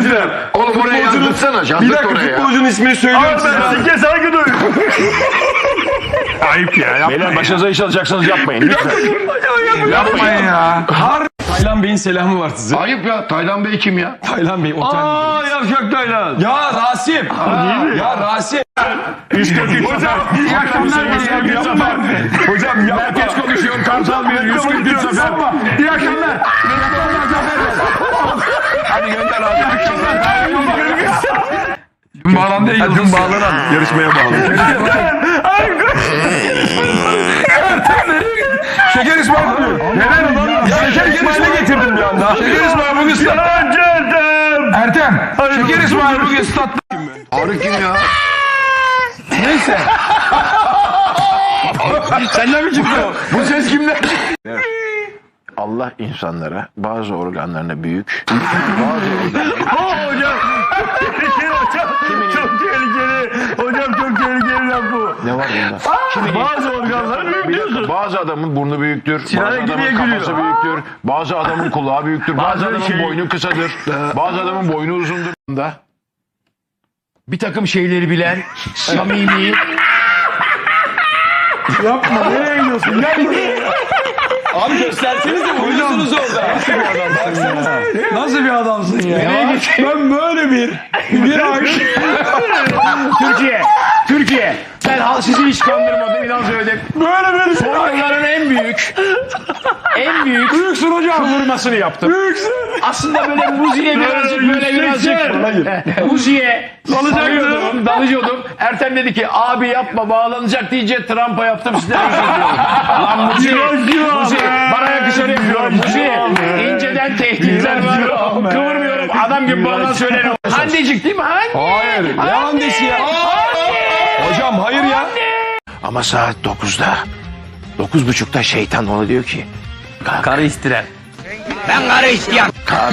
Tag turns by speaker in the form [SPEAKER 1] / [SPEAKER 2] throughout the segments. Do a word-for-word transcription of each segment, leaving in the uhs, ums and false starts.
[SPEAKER 1] Ertem.
[SPEAKER 2] Oğlum oraya yazdırsana.
[SPEAKER 1] Bir dakika futbolcunun ismini söylüyorum size.
[SPEAKER 3] Ben sike saygı duyuyorum. Ayıp ya. Yapmayın.
[SPEAKER 4] Beyler başınıza iş alacaksanız yapmayın. Lütfen.
[SPEAKER 3] Yapmayın ya.
[SPEAKER 1] Taylan Bey'in selamı var size.
[SPEAKER 2] Ayıp ya. Taylan Bey kim ya?
[SPEAKER 1] Taylan Bey otel.
[SPEAKER 3] Aa yavşak Taylan.
[SPEAKER 1] Ya Rasim. Ya Rasim.
[SPEAKER 3] Hocam iyi akşamlar. Yapma. Hocam yapma.
[SPEAKER 4] Herkes konuşuyor. Kartal bir yüz kırk üç sefer.
[SPEAKER 3] İyi akşamlar.
[SPEAKER 4] Hadi gönder abi.
[SPEAKER 3] Dün bağlandı ya Yıldız.
[SPEAKER 1] bağlanan yarışmaya bağlı.
[SPEAKER 3] Şeker İsmail. Neden ulan?
[SPEAKER 1] Şeker İsmail'e getirdim bir anda.
[SPEAKER 3] Şeker İsmail bugün statta. Ertem. Şeker İsmail bugün statta.
[SPEAKER 2] Arı kim ya?
[SPEAKER 3] Neyse.
[SPEAKER 4] Senden mi çıktı?
[SPEAKER 2] Bu ses kimden?
[SPEAKER 4] Allah insanlara bazı organlarına büyük, bazı organlarına...
[SPEAKER 3] Hocam. Tehlikeli hocam. Çok tehlikeli. Hocam çok tehlikeli laf bu.
[SPEAKER 4] Ne var bunda?
[SPEAKER 3] Bazı organları büyük diyorsun.
[SPEAKER 4] Bazı adamın burnu büyüktür, bazı
[SPEAKER 3] Sinan'ınki
[SPEAKER 4] adamın
[SPEAKER 3] niye
[SPEAKER 4] kafası
[SPEAKER 3] gülüyor?
[SPEAKER 4] büyüktür, bazı adamın kulağı büyüktür, bazı,
[SPEAKER 3] Bazı
[SPEAKER 4] adamın
[SPEAKER 3] şey-
[SPEAKER 4] boynu kısadır, bazı adamın boynu uzundur. Da bir takım şeyleri bilen, samimi...
[SPEAKER 3] Yapma. Nereye gidiyorsun? Gel buraya.
[SPEAKER 1] Abi göstersenize uyuyorsunuz orada.
[SPEAKER 3] Nasıl bir adamsın ya? Ben böyle bir bir ay
[SPEAKER 4] Türkiye, Türkiye. Ben hal sizi hiç kandırmadım, inan söyledim.
[SPEAKER 3] böyle bir
[SPEAKER 4] Son yılların en büyük, en büyük
[SPEAKER 3] büyüksün hocam.
[SPEAKER 4] kıvırmasını yaptım.
[SPEAKER 3] Büyüksün.
[SPEAKER 4] Aslında böyle Muzi'ye birazcık böyle birazcık Muzi'ye dalıyordum, dalıyordum. Ertem dedi ki abi yapma bağlanacak deyince Trump'a yaptım sizden özür diliyorum. Lan Muzi, Muzi bana yakışır yapıyorum. Muzi inceden tehditler var. Kıvırmıyorum adam gibi bana söylerim. Handecik değil mi? Hande.
[SPEAKER 1] Hayır. Ne andesi ya? Hocam hayır ya.
[SPEAKER 4] Ama saat dokuzda, dokuz buçukta şeytan ona diyor ki
[SPEAKER 3] Karı istiren.
[SPEAKER 4] ben karı isteyen.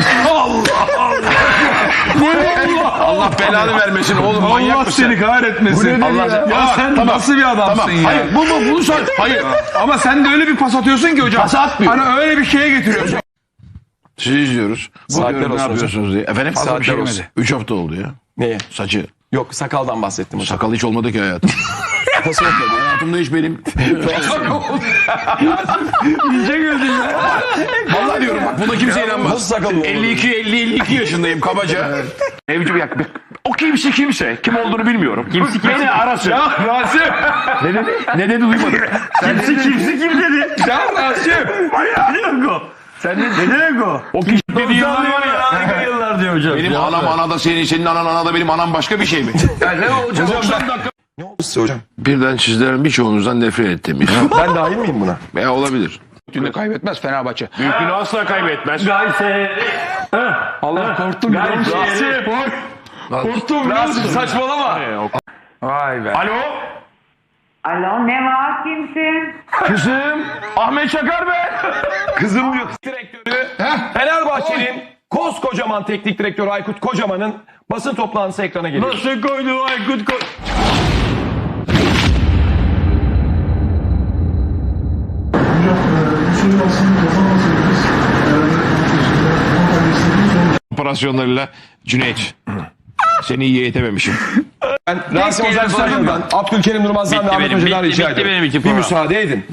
[SPEAKER 4] Allah belanı vermesin oğlum manyak
[SPEAKER 3] Allah
[SPEAKER 4] mısın?
[SPEAKER 3] seni kahretmesin.
[SPEAKER 4] Allah
[SPEAKER 3] Ya,
[SPEAKER 4] Aa,
[SPEAKER 3] sen
[SPEAKER 4] tamam,
[SPEAKER 3] nasıl bir adamsın
[SPEAKER 4] tamam.
[SPEAKER 3] ya?
[SPEAKER 4] Hayır bu bu bunu sor. Hayır.
[SPEAKER 3] Ama sen de öyle bir pas atıyorsun ki hocam.
[SPEAKER 4] Pas atmıyorum.
[SPEAKER 3] Hani öyle bir şeye getiriyorsun.
[SPEAKER 4] Sizi izliyoruz.
[SPEAKER 1] Saatler
[SPEAKER 4] Bakıyorum ne
[SPEAKER 1] olsun
[SPEAKER 4] yapıyorsunuz diye. Efendim?
[SPEAKER 1] Saatler
[SPEAKER 4] Bir şey
[SPEAKER 1] olsun.
[SPEAKER 4] demedi. Üç hafta oldu ya.
[SPEAKER 1] Neye?
[SPEAKER 4] Saçı.
[SPEAKER 1] Yok sakaldan bahsettim hocam.
[SPEAKER 4] Sakal hiç olmadı ki hayatım.
[SPEAKER 1] Nasıl olmadı?
[SPEAKER 4] Hayatımda hiç benim.
[SPEAKER 3] İyice güldün ya.
[SPEAKER 4] Vallahi diyorum bak buna kimse inanmaz.
[SPEAKER 1] Nasıl sakal olmadı?
[SPEAKER 4] elli iki elli elli iki yaşındayım kabaca. Evci bir yak. O kimse kimse. Kim olduğunu bilmiyorum. Kimse kimse. Beni arasın.
[SPEAKER 3] Ya Rasim.
[SPEAKER 4] Ne dedi? Ne dedi duymadım.
[SPEAKER 3] Kimsi kimsi kim dedi? Ya Rasim. Ne demek o? Sen ne, ne demek o?
[SPEAKER 4] O kişi dediği yıllar var ya.
[SPEAKER 3] Harika yıllar diyor hocam.
[SPEAKER 4] Benim anam anada senin, senin anan anada benim anam başka bir şey mi?
[SPEAKER 3] Ya ne hocam?
[SPEAKER 4] doksan dakika.
[SPEAKER 1] Ne oldu size hocam?
[SPEAKER 4] Birden sizlerin birçoğunuzdan nefret ettim.
[SPEAKER 1] Ben dahil miyim buna?
[SPEAKER 4] Veya olabilir.
[SPEAKER 5] Büyüklüğünü kaybetmez Fenerbahçe.
[SPEAKER 4] Büyüklüğünü asla kaybetmez.
[SPEAKER 3] Gayse. Allah korktum biliyor musun? Rasim. Korktum biliyor musun?
[SPEAKER 1] Saçmalama.
[SPEAKER 3] Vay be.
[SPEAKER 4] Alo?
[SPEAKER 6] Alo ne var kimsin?
[SPEAKER 4] Kızım. Ahmet Çakar ben.
[SPEAKER 1] Kızım diyor. Direktörü Fenerbahçe'nin koskocaman teknik direktörü Aykut Kocaman'ın basın toplantısı ekrana geliyor.
[SPEAKER 3] Nasıl koydu Aykut koy?
[SPEAKER 4] Operasyonlarıyla Cüneyt. Seni iyi eğitememişim.
[SPEAKER 1] Ben Rasim Ozan Sarı'dan, Abdülkerim Durmaz'dan ve Ahmet
[SPEAKER 3] benim,
[SPEAKER 1] Hoca'dan
[SPEAKER 3] bitti,
[SPEAKER 1] rica
[SPEAKER 3] bitti
[SPEAKER 1] ederim.
[SPEAKER 3] benim iki
[SPEAKER 1] Bir
[SPEAKER 3] program.
[SPEAKER 1] müsaade edin.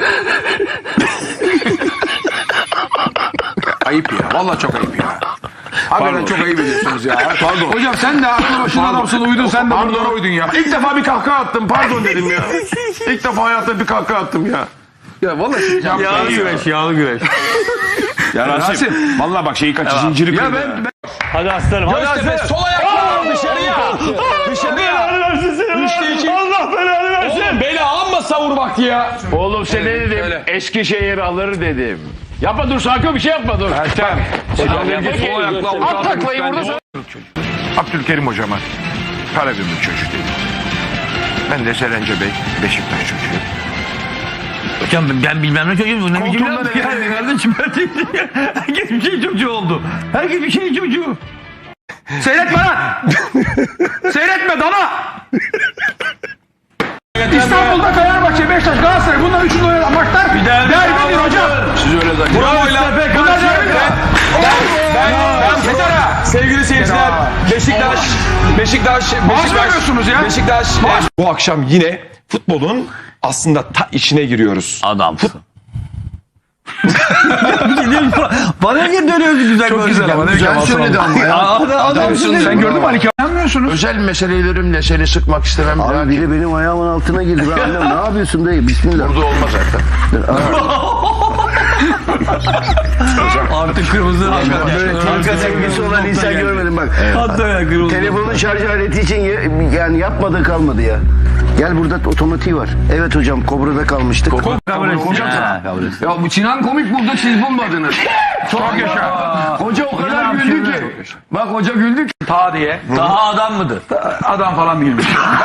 [SPEAKER 5] Ayıp ya. Vallahi çok ayıp ya. Hakikaten çok ayıp ediyorsunuz ya. Pardon.
[SPEAKER 3] Hocam sen de aklı başına adamsın uydun sen de bunlara uydun ya.
[SPEAKER 4] İlk defa bir kahkaha attım. Pardon dedim ya. İlk defa hayatımda bir kahkaha attım ya.
[SPEAKER 5] Ya vallahi
[SPEAKER 3] Yağlı güreş yağlı güreş.
[SPEAKER 4] Ya Rasim. Vallahi bak şeyi kaç zinciri kırdı.
[SPEAKER 3] Ya ben, ben... Hadi aslanım hadi
[SPEAKER 1] Göztepe
[SPEAKER 3] aslanım.
[SPEAKER 1] sol ayakla dışarıya. Dışarıya.
[SPEAKER 3] versin seni.
[SPEAKER 1] Üçte iki.
[SPEAKER 3] Allah belanı versin.
[SPEAKER 1] Oğlum beni amma savur vakti ya.
[SPEAKER 4] Oğlum sen ne dedim? Eskişehir alır dedim. Yapma dur sakın bir şey yapma dur.
[SPEAKER 3] Ertem.
[SPEAKER 4] Sol ayakla at taklayı burada sonra. Abdülkerim hocama Karagümrük çocuk dedim. Ben de Serence Bey Beşiktaş çocuğu.
[SPEAKER 3] Hocam ben bilmem ne çocuğum. Ne biçim
[SPEAKER 4] Koltuğumda
[SPEAKER 3] laf ya?
[SPEAKER 4] ne?
[SPEAKER 3] Kardeşim ben herkes bir şey çocuğu oldu. Herkes bir şey çocuğu. Seyretme lan. Seyretme dana. İstanbul'da Fenerbahçe, Beşiktaş, Galatasaray bunlar üçünü oynayan maçlar derbidir hocam.
[SPEAKER 4] Siz öyle zannediyorsunuz.
[SPEAKER 1] Bravo lan.
[SPEAKER 3] Bunlar derbidir.
[SPEAKER 1] Ben, ben, ben, sevgili seyirciler, Beşiktaş, Beşiktaş,
[SPEAKER 3] vermiyorsunuz ya.
[SPEAKER 1] Beşiktaş. Bu akşam yine futbolun aslında ta içine giriyoruz.
[SPEAKER 4] Adamsın.
[SPEAKER 3] Bana niye dönüyorsun güzel
[SPEAKER 2] Çok güzel ama. Güzel söyledi ama ya.
[SPEAKER 3] Adamsın. Sen gördün mü Ali Kemal? Anlamıyorsunuz.
[SPEAKER 2] Özel meselelerimle seni sıkmak istemem.
[SPEAKER 7] Abi
[SPEAKER 2] Lakin
[SPEAKER 7] biri benim ayağımın altına girdi. Ben annem ne yapıyorsun dayı? Bismillah.
[SPEAKER 2] burada olmaz zaten.
[SPEAKER 3] Artık kırmızı.
[SPEAKER 7] Böyle kanka sevgisi olan insan görmedim bak.
[SPEAKER 3] Hatta kırmızı.
[SPEAKER 7] Telefonun şarj aleti için ye- yani yapmadığı kalmadı ya. Gel burada otomatiği var. Evet hocam Kobra'da kalmıştık.
[SPEAKER 5] Ya bu Sinan komik buldu siz bulmadınız.
[SPEAKER 2] Çok yaşa. Hoca o kadar güldü ki. Bak hoca güldü ki.
[SPEAKER 3] Ta diye.
[SPEAKER 4] Daha adam mıdır?
[SPEAKER 3] Adam falan değilmiş.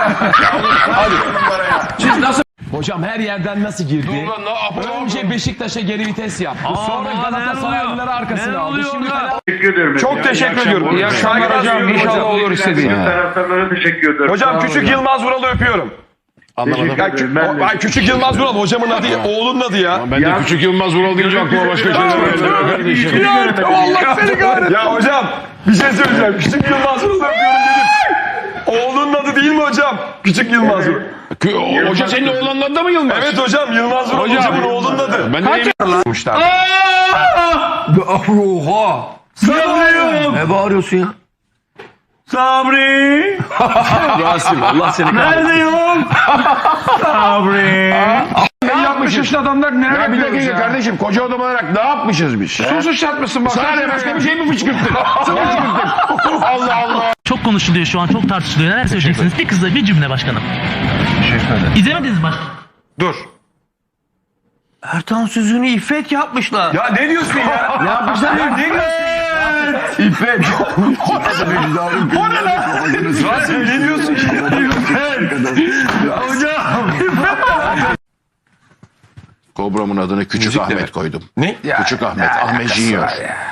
[SPEAKER 1] Siz nasıl? Hocam her yerden nasıl girdi? Önce Beşiktaş'a geri vites yaptı. Sonra Galatasaraylıları arkasına aldı. Şimdi Fener- Çok teşekkür ediyorum.
[SPEAKER 3] İyi akşamlar hocam. İnşallah olur istediğin.
[SPEAKER 8] Taraftarlara teşekkür ederim.
[SPEAKER 1] Hocam küçük Yılmaz Vural'ı öpüyorum. Anlamadım. Ya, kü- o- ay, küçük Yılmaz Vural hocamın adı, oğlunun adı ya.
[SPEAKER 2] Ben de küçük Yılmaz Vural deyince aklıma başka şeyler geldi.
[SPEAKER 1] Allah seni kahretsin. Ya hocam bir şey söyleyeceğim. Küçük Yılmaz Vural'ı öpüyorum dedim. Oğlunun adı değil mi hocam? Küçük Yılmaz Vural.
[SPEAKER 2] Hoca senin oğlanın adı da mı Yılmaz?
[SPEAKER 1] Evet hocam Yılmaz Vural hocamın oğlunun adı.
[SPEAKER 2] Ben de
[SPEAKER 3] Oha. Sabri.
[SPEAKER 7] Ne bağırıyorsun ya?
[SPEAKER 3] Sabri.
[SPEAKER 1] Rasim Allah seni kahretsin.
[SPEAKER 3] Neredeyim? Sabri. altmış yaşlı adamlar neler
[SPEAKER 2] Ya bir
[SPEAKER 3] yapıyoruz
[SPEAKER 2] dakika
[SPEAKER 3] ya?
[SPEAKER 2] kardeşim koca adam olarak ne yapmışız biz?
[SPEAKER 3] Su sıçratmışsın bak.
[SPEAKER 2] Sana ne başka bir şey mi fışkırttın? Sana fışkırttın. Allah Allah.
[SPEAKER 9] Çok konuşuluyor şu an, çok tartışılıyor. Neler söyleyeceksiniz? Bir kızla bir cümle başkanım. İzlemediniz mi başkanım?
[SPEAKER 1] Dur.
[SPEAKER 3] Ertan Sözü'nü İffet yapmışlar.
[SPEAKER 1] Ya ne diyorsun ya? Ne yapmışlar ya? Ne diyorsun?
[SPEAKER 2] İffet.
[SPEAKER 1] O ne lan? Rasim ne diyorsun?
[SPEAKER 2] Kobra'mın adını Küçük Ahmet koydum.
[SPEAKER 1] Ne?
[SPEAKER 2] Küçük Ahmet. Ahmet Junior.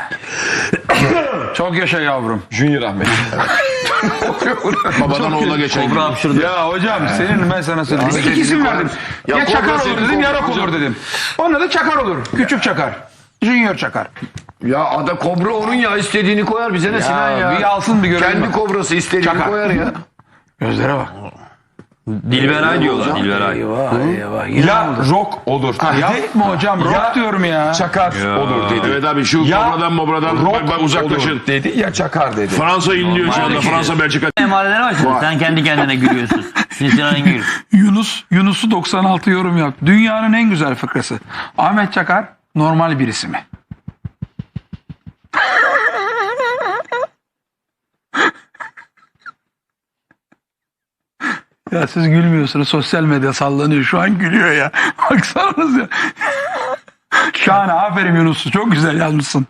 [SPEAKER 3] Çok yaşa yavrum.
[SPEAKER 1] Junior Ahmet.
[SPEAKER 2] Babadan oğula geçen gibi.
[SPEAKER 3] Ya hocam senin ben sana söyleyeyim. İki isim verdim. Ya,
[SPEAKER 2] Ya
[SPEAKER 3] Çakar
[SPEAKER 2] Kobra
[SPEAKER 3] olur
[SPEAKER 2] senin
[SPEAKER 3] dedim ya
[SPEAKER 2] Kobra
[SPEAKER 3] Rock
[SPEAKER 2] hocam.
[SPEAKER 3] olur dedim. Onun adı Çakar olur. Küçük Çakar. Junior Çakar.
[SPEAKER 2] Ya ada Kobra onun ya istediğini koyar bize ne Sinan ya.
[SPEAKER 3] Bir alsın bir görelim.
[SPEAKER 2] Kendi
[SPEAKER 3] bak.
[SPEAKER 2] kobrası istediğini
[SPEAKER 3] Çakar.
[SPEAKER 2] koyar ya.
[SPEAKER 3] Gözlere bak.
[SPEAKER 4] Dilberay diyorlar. Dilberay.
[SPEAKER 1] Ya rock olur.
[SPEAKER 3] Yapma hocam rock
[SPEAKER 1] Ya-
[SPEAKER 3] diyorum ya.
[SPEAKER 1] Çakar olur dedi.
[SPEAKER 2] Evet abi şu
[SPEAKER 1] Ya
[SPEAKER 2] kobradan mobradan
[SPEAKER 1] rock
[SPEAKER 2] bak, bak uzaklaşın.
[SPEAKER 1] olur dedi ya çakar dedi.
[SPEAKER 2] Fransa inliyor şu anda. Fransa Belçika.
[SPEAKER 4] Emarelere başladın. Sen kendi kendine gülüyorsun. Sinsinan Engin.
[SPEAKER 3] Yunus, Yunus'u doksan altı yorum yaptı. Dünyanın en güzel fıkrası. Ahmet Çakar normal birisi mi? Ya siz gülmüyorsunuz. Sosyal medya sallanıyor. Şu an gülüyor ya. Baksanız ya. Şahane. Aferin Yunus'u. Çok güzel yazmışsın.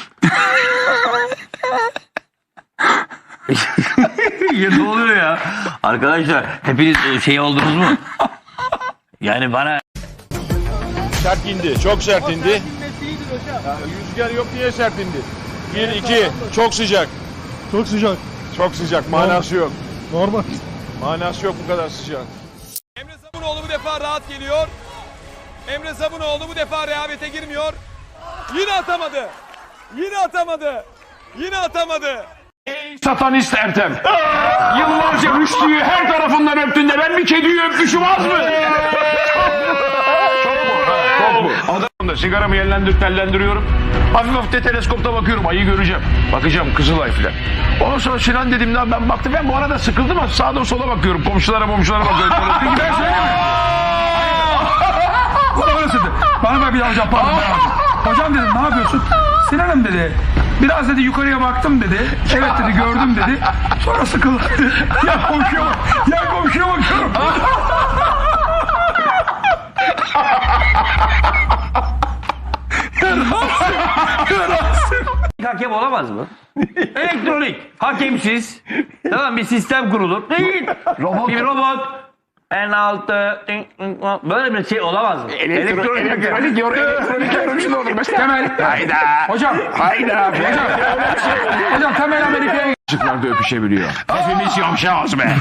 [SPEAKER 4] Ya ne oluyor ya? Arkadaşlar hepiniz şey oldunuz mu? Yani bana
[SPEAKER 10] Sert indi. Çok sert indi. Ya, rüzgar yok diye sert indi. Bir, iki. Çok sıcak.
[SPEAKER 8] Çok sıcak.
[SPEAKER 10] Çok sıcak. Manası yok.
[SPEAKER 8] Normal.
[SPEAKER 10] Manası yok bu kadar sıcak.
[SPEAKER 11] Emre Sabunoğlu bu defa rahat geliyor. Emre Sabunoğlu bu defa rehavete girmiyor. Yine atamadı. Yine atamadı. Yine atamadı.
[SPEAKER 2] Satanist Ertem. Yıllarca Rüştü'yü her tarafından öptün de ben bir kediyi öpmüşüm az mı? Çok mu? Adam da sigaramı yerlendir tellendiriyorum. Hafif hafif de teleskopta bakıyorum. Ayı göreceğim. Bakacağım Kızılay filan. Ondan sonra Sinan dedim lan ben baktım. Ben bu arada sıkıldım ama sağda sola bakıyorum. Komşulara komşulara bakıyorum. Peki ben söyleyeyim mi?
[SPEAKER 3] Bana öyle söyledi. Bana bak bir daha hocam pardon. ben hocam. Hocam dedim ne yapıyorsun? Sinan'ım dedi. Biraz dedi yukarıya baktım dedi. Evet dedi gördüm dedi. Sonra sıkıldı. Ya komşuya bak. Ya komşuya bakıyorum.
[SPEAKER 4] hakem olamaz mı? Elektronik. Hakemsiz. Tamam bir sistem kurulur. Değil. Robot. Bir robot. En altı. Böyle bir şey olamaz mı?
[SPEAKER 2] Elektronik elektronik elektronik elektronik olur mesela.
[SPEAKER 3] Temel.
[SPEAKER 2] Hayda.
[SPEAKER 3] Hocam.
[SPEAKER 2] Hayda.
[SPEAKER 3] Hocam. Hocam Temel Amerika'ya
[SPEAKER 2] Çocuklar da öpüşebiliyor. Hepimiz yamşağız be.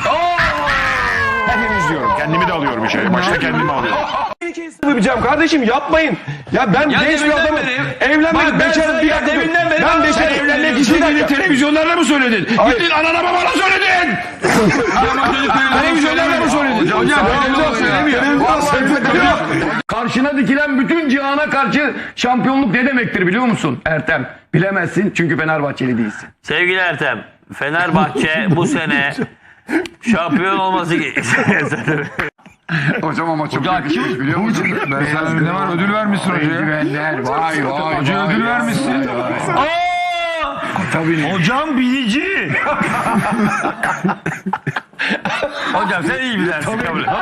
[SPEAKER 2] Hepimiz diyorum. Kendimi de alıyorum işe. Başta kendimi alıyorum.
[SPEAKER 1] Yapacağım kardeşim yapmayın. Ya ben
[SPEAKER 2] Ya
[SPEAKER 1] genç bir
[SPEAKER 2] deminden
[SPEAKER 1] adamım.
[SPEAKER 2] beri-
[SPEAKER 1] Evlenmek,
[SPEAKER 2] Bak ben
[SPEAKER 1] bekarım
[SPEAKER 2] sana
[SPEAKER 1] bir
[SPEAKER 2] ya
[SPEAKER 1] dakika dur.
[SPEAKER 2] deminden beri
[SPEAKER 1] Ben
[SPEAKER 2] bak, sen
[SPEAKER 1] bekarım.
[SPEAKER 2] evlenmek
[SPEAKER 1] Bir
[SPEAKER 2] istediğini
[SPEAKER 1] dakika.
[SPEAKER 2] televizyonlarda mı söyledin?
[SPEAKER 1] Hayır.
[SPEAKER 2] Gittin anana babana söyledin. Televizyonlarda mı söyledin?
[SPEAKER 3] Hocam televizyon söylemiyor.
[SPEAKER 4] Karşına dikilen bütün cihana karşı şampiyonluk ne demektir biliyor musun Ertem? Bilemezsin çünkü Fenerbahçeli değilsin.
[SPEAKER 12] Sevgili Ertem, Fenerbahçe bu sene şampiyon olması gerekiyor.
[SPEAKER 5] Hocam ama çok yakışmış biliyor musun?
[SPEAKER 3] Ben sana ne var ödül vermişsin hocaya.
[SPEAKER 5] Eldivenler vay vay.
[SPEAKER 3] Hocaya ödül vermişsin.
[SPEAKER 12] Hocam bilici. Hocam sen iyi bilersin kabul et.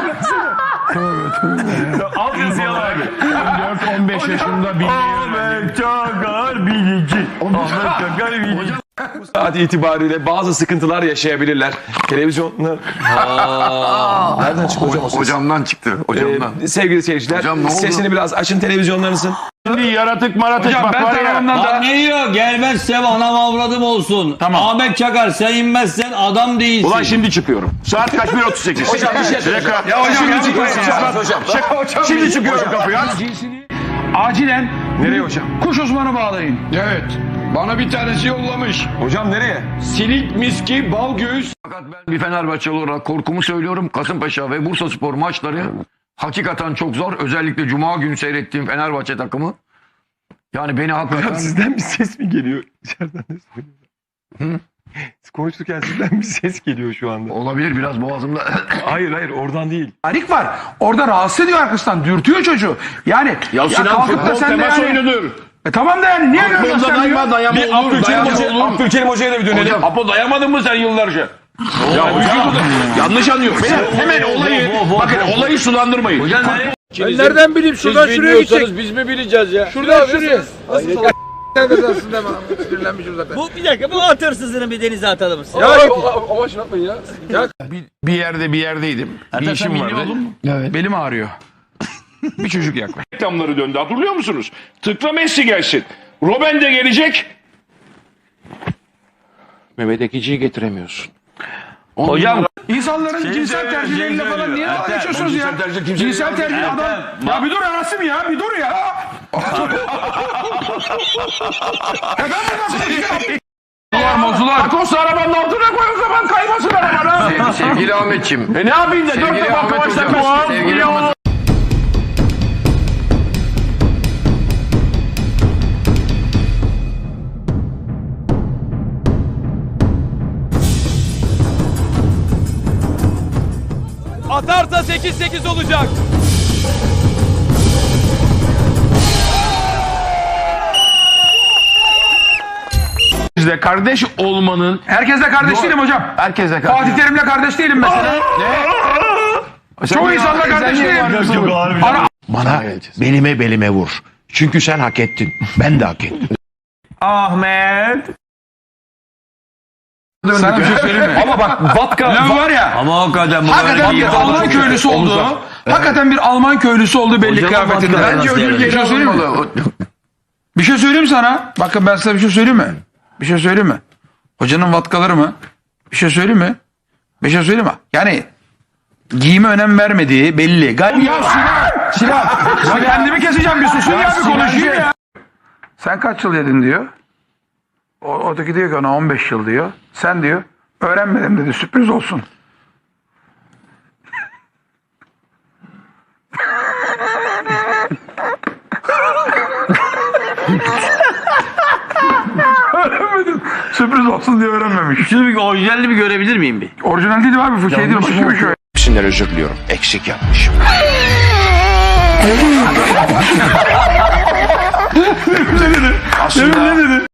[SPEAKER 12] Al yazıyı abi.
[SPEAKER 2] on dört on beş yaşında bir
[SPEAKER 12] Ahmet Çakar bilici. Ahmet Çakar bilici.
[SPEAKER 1] Saat itibariyle bazı sıkıntılar yaşayabilirler. Televizyonlar... Nereden çıktı hocam o ses?
[SPEAKER 5] Hocamdan çıktı. Hocamdan.
[SPEAKER 1] Ee, sevgili seyirciler,
[SPEAKER 5] Hocam ne oldu?
[SPEAKER 1] sesini biraz açın televizyonlarınızın.
[SPEAKER 2] Şimdi yaratık maratık
[SPEAKER 3] Hocam
[SPEAKER 2] bak
[SPEAKER 3] ben
[SPEAKER 2] var ya.
[SPEAKER 3] tarafından da...
[SPEAKER 12] Ne diyor? Gelmezsem anam avradım olsun.
[SPEAKER 3] Tamam.
[SPEAKER 12] Ahmet Çakar sen inmezsen adam değilsin.
[SPEAKER 2] Ulan şimdi çıkıyorum. Saat kaç? bir otuz sekiz.
[SPEAKER 1] Hocam bir şey söyleyeceğim.
[SPEAKER 2] Ya hocam
[SPEAKER 1] Şimdi
[SPEAKER 2] ya.
[SPEAKER 1] çıkıyorsun ya. Hocam.
[SPEAKER 2] Şimdi çıkıyorum kapıya.
[SPEAKER 3] Acilen
[SPEAKER 1] Nereye hocam?
[SPEAKER 3] kuş uzmanı bağlayın.
[SPEAKER 2] Evet. Bana bir tanesi yollamış.
[SPEAKER 1] Hocam nereye?
[SPEAKER 2] Silik miski bal göğüs.
[SPEAKER 4] Fakat ben bir Fenerbahçeli olarak korkumu söylüyorum. Kasımpaşa ve Bursaspor maçları hakikaten çok zor. Özellikle Cuma günü seyrettiğim Fenerbahçe takımı. Yani beni hakikaten...
[SPEAKER 1] Sizden bir ses mi geliyor? İçeriden de söylüyorum. Siz konuşurken sizden bir ses geliyor şu anda.
[SPEAKER 4] Olabilir biraz boğazımda.
[SPEAKER 1] Hayır hayır oradan değil.
[SPEAKER 3] Harik var. Orada rahatsız ediyor arkasından. Dürtüyor çocuğu. Yani
[SPEAKER 2] Ya Sinan
[SPEAKER 3] kalkıp da
[SPEAKER 2] futbol
[SPEAKER 3] sen de
[SPEAKER 2] temas
[SPEAKER 3] yani-
[SPEAKER 2] oyunudur.
[SPEAKER 3] E tamam da yani niye görüyorsun
[SPEAKER 2] Futbolda
[SPEAKER 3] sen
[SPEAKER 2] dayama
[SPEAKER 3] diyor?
[SPEAKER 2] dayama
[SPEAKER 1] Bir
[SPEAKER 2] olur.
[SPEAKER 1] Abdülkerim
[SPEAKER 2] Dayama
[SPEAKER 1] Hoca,
[SPEAKER 2] olur.
[SPEAKER 1] Abdülkerim Hoca'ya da bir dönelim.
[SPEAKER 2] Hocam Apo dayamadın mı sen yıllarca? Ya hocam yanlış anlıyor. Hemen olayı bakın olayı sulandırmayın.
[SPEAKER 12] Hocam nereye?
[SPEAKER 10] Ben nereden bileyim şuradan şuraya gidecek. Biz mi bileceğiz ya? Şuradan şuraya.
[SPEAKER 9] Bu bir dakika bu at hırsızını bir denize atalım.
[SPEAKER 2] Bir, bir yerde bir yerdeydim. Bir işim vardı.
[SPEAKER 3] Belim ağrıyor.
[SPEAKER 2] Bir çocuk yaklaştı. Reklamları döndü hatırlıyor musunuz? Tıkla Messi gelsin. Robben de gelecek. Mehmet Ekici'yi getiremiyorsun.
[SPEAKER 12] Hocam
[SPEAKER 3] İnsanların cinsel tercihleriyle falan niye dalga geçiyorsunuz ya? Cinsel tercih adam... Ya bir dur Rasim ya bir dur ya. Ya ben buradan konuşuyorum. Mozular mozular.
[SPEAKER 2] Akos arabanın altına koy o zaman kaymasın arabana.
[SPEAKER 4] Sevgili Ahmetciğim.
[SPEAKER 2] E ne yapayım da dört
[SPEAKER 4] Sevgili
[SPEAKER 2] defa
[SPEAKER 4] Ahmet
[SPEAKER 2] kavaştan
[SPEAKER 4] Hocam.
[SPEAKER 2] koyalım.
[SPEAKER 4] Sevgili Ahmet
[SPEAKER 11] Atarsa sekiz sekiz olacak.
[SPEAKER 2] Bizde kardeş olmanın
[SPEAKER 3] Herkesle kardeş değilim hocam.
[SPEAKER 2] herkese
[SPEAKER 3] Fatih Terim'le kardeş değilim mesela. Çoğu insanla kardeş değilim. Ara-
[SPEAKER 10] Bana belime belime vur. Çünkü sen hak ettin. Ben de hak ettim.
[SPEAKER 12] Ahmet.
[SPEAKER 3] Sana bir şey söyleyeyim mi? Ama bak vodka Lan var ya.
[SPEAKER 12] Ama hakikaten bu
[SPEAKER 3] Hakikaten bir Alman köylüsü olduğu, hakikaten bir Alman köylüsü olduğu belli
[SPEAKER 12] Hocam
[SPEAKER 3] kıyafetinde.
[SPEAKER 12] vodka
[SPEAKER 3] Bence
[SPEAKER 12] nasıl
[SPEAKER 3] ödül
[SPEAKER 12] yani?
[SPEAKER 3] bir şey söyleyeyim mi? Bir şey söyleyeyim sana. Bakın ben size bir şey söyleyeyim mi? Bir şey söyleyeyim mi? Hocanın vatkaları mı? Bir şey söyleyeyim mi? Bir şey söyleyeyim mi? Yani giyime önem vermediği belli. Gal ya Sinan! Sinan! Ya kendimi keseceğim bir susun ya, bir konuşayım ya. Sen kaç yıl yedin diyor. O, oradaki diyor ki ona on beş yıl diyor. Sen diyor öğrenmedim dedi, sürpriz olsun. Öğrenmedim. Sürpriz olsun diye öğrenmemiş.
[SPEAKER 12] Şunu bir orijinalini bir görebilir miyim bir?
[SPEAKER 3] Orijinal değil abi, bu şey değil. Başka bir şey.
[SPEAKER 10] Hepsinden özür diliyorum. Eksik yapmışım.
[SPEAKER 3] Ne dedi? Ne dedi?